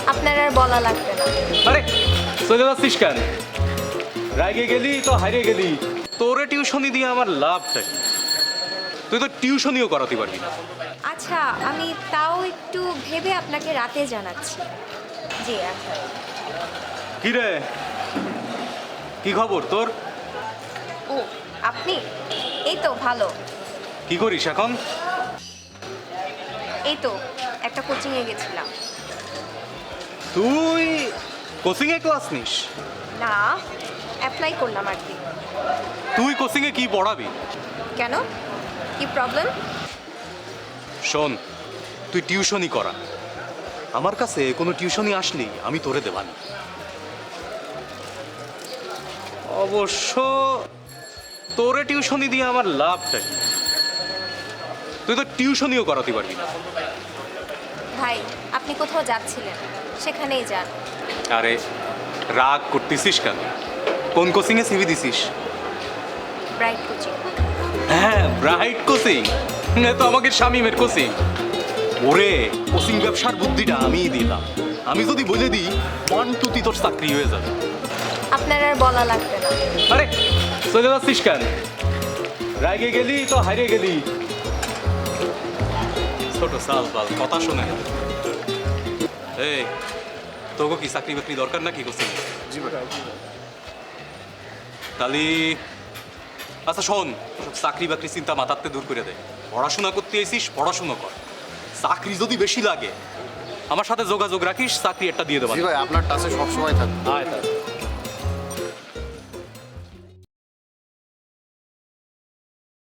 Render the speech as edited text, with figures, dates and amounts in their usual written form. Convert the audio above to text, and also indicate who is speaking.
Speaker 1: আপনার আর বলা লাগবে না।
Speaker 2: আরে চলে যাচ্ছিস কেন? রাগে গেলি তো হারিয়ে গেলি। তোরে টিউশনি দিয়ে আমার লাভটা কি? তুই তো টিউশনিও করাতে পারবি না।
Speaker 1: আচ্ছা, আমি তাও একটু ভেবে আপনাকে রাতে জানাচ্ছি। জি আচ্ছা।
Speaker 2: কি রে, কি খবর তোর?
Speaker 1: ও আপনি? এই তো ভালো।
Speaker 2: কি করিস এখন?
Speaker 1: এই তো একটা কোচিংয়ে গেছিলাম।
Speaker 2: তুই কোচিংয়ে ক্লাস নিস?
Speaker 1: না, অ্যাপ্লাই করলাম আর কি।
Speaker 2: তুই কোচিংয়ে কি পড়াবি?
Speaker 1: কেন, কি প্রবলেম?
Speaker 2: শোন, তুই টিউশনি করা। আমার কাছে কোনো টিউশনি আসলেই আমি তোরে দেবানি। অবশ্য তোরে টিউশনি দিয়ে আমার লাভটা কি? তুই তো টিউশনিও করাতে পারবি না।
Speaker 1: ভাই, আপনি কোথাও যাচ্ছিলেন, সেখানেই যান।
Speaker 2: আরে রাগ করতেছিস কেন? কোন কোচিংয়ে সিভি দিছিস?
Speaker 1: Bright coaching.
Speaker 2: হ্যাঁ, ব্রাইট কোচিং। তো আমাকে শামিমের কোচিং। ওরে, কোচিং ব্যবসার বুদ্ধিটা আমিই দিলাম। আমি যদি বলে দিই 1 2 তোর চাকরি হয়ে যাবে।
Speaker 1: আপনার আর বলা লাগবে না।
Speaker 2: আরে চলে যাচ্ছিস কেন? রাগে গেলি তো হারিয়ে গেলি। ছোট সাল বাল কথা শোনে। এই, তোকে কি চাকরি বাকরি দরকার নাকি কোচিং?
Speaker 3: জি ভাই।
Speaker 2: তাহলে আচ্ছা শোন, সব চাকরি বাকরি চিন্তা মাথাতে দূর করে দে। পড়াশোনা করতে এসিস, পড়াশোনা কর। চাকরি যদি বেশি লাগে আমার সাথে যোগাযোগ রাখিস, চাকরি একটা দিয়ে দেবো।
Speaker 3: জি ভাই, আপনার টাচে সবসময় থাকবে।
Speaker 2: আয় তাহলে।